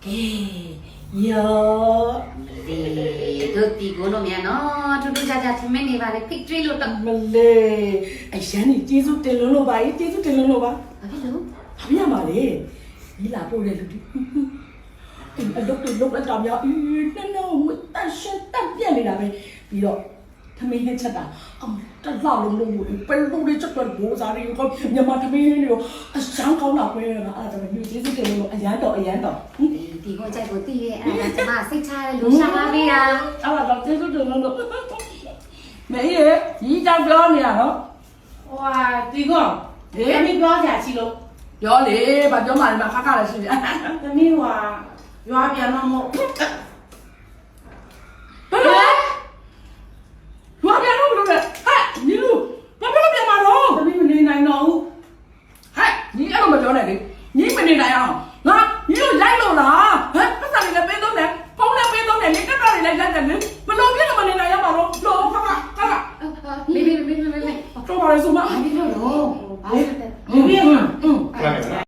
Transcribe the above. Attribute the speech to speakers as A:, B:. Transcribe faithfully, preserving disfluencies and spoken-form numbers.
A: ရော
B: ဒီတို့ဒီကိုလို့မြန်နော်ထူးထူးခြားခြားထမင်းနေပါလေ victory လို့တော့
A: မလေးအရန်ကြီးကျေးဇူးတင်လုံးလို့ပါကျေးဇူးတင်လုံးလို့ပါ
B: ဘာဖြစ်လို့
A: ဘာပြရမှာလဲဒီလာပို့တဲ့လူတွေအလုပ်တွေလုပ်လိုက်တာများအေးနှလုံးမတတ်ရှက်တက်ပြက်နေတာပဲပြီးတော့သမင်းနဲ့ချက်တာအမတလောက်လုံးလုံးဘယ်လိုလဲချက်တော့ဘိုးစားတွေကိုမြန်မာသမင်းတွေကိုအစမ်းကောင်းတာပဲအဲ့ဒါတည်းမျိုးကျေးဇူးတင်လို့အရန်တော့အရန်တော့
B: ဒီကိုကြိုက်ကိုတည်ရဲ့အဲ့ဒါကျမစိတ်ချရလို့ရှာလာပေးတာ
A: အဲ့ဒါတော့ကျေးဇူးတင်လို့မေးရေဒီကြောင်ပြောနေရနော်
C: ဟိုဟာဒီကောသမီးပြောကြချီလို့
A: ပြောလေဘာပြောမှလဲမခါခါလည်းရှိတယ်
C: သမီးဟွာရွာပြန်တော့မဟုတ်
A: ဘယ်လိုဘာပြန်လို့ဘယ်လိုလဲဟဲ့ညီလူဘာဖြစ်လို့ပြန်มาတော့
C: သမီးမနေနိုင်တော့ဘူး
A: ဟဲ့ညီအဲ့လိုမပြောနဲ့လေညီမနေနိုင်အောင်ငါညီတို့လိုက်လို့လားဟမ်ပတ်စံလေးလည်းပေးသုံးတယ်ဖုန်းလည်းပေးသုံးတယ်လေကတ်တာလေးလည်းလိုက်တယ်လေဘယ်လိုဖြစ်လို့မနေနိုင်ရမှာတော့လောခါခါခါ
B: မေးမေးမေးမေးမေး
A: တော့ပါလေဆိုမ
B: ဘာဖြစ်လို့လဲဘာဖြစ်လို့လဲ
C: ဒီပြင်းမှာ
A: อืม
D: Claro.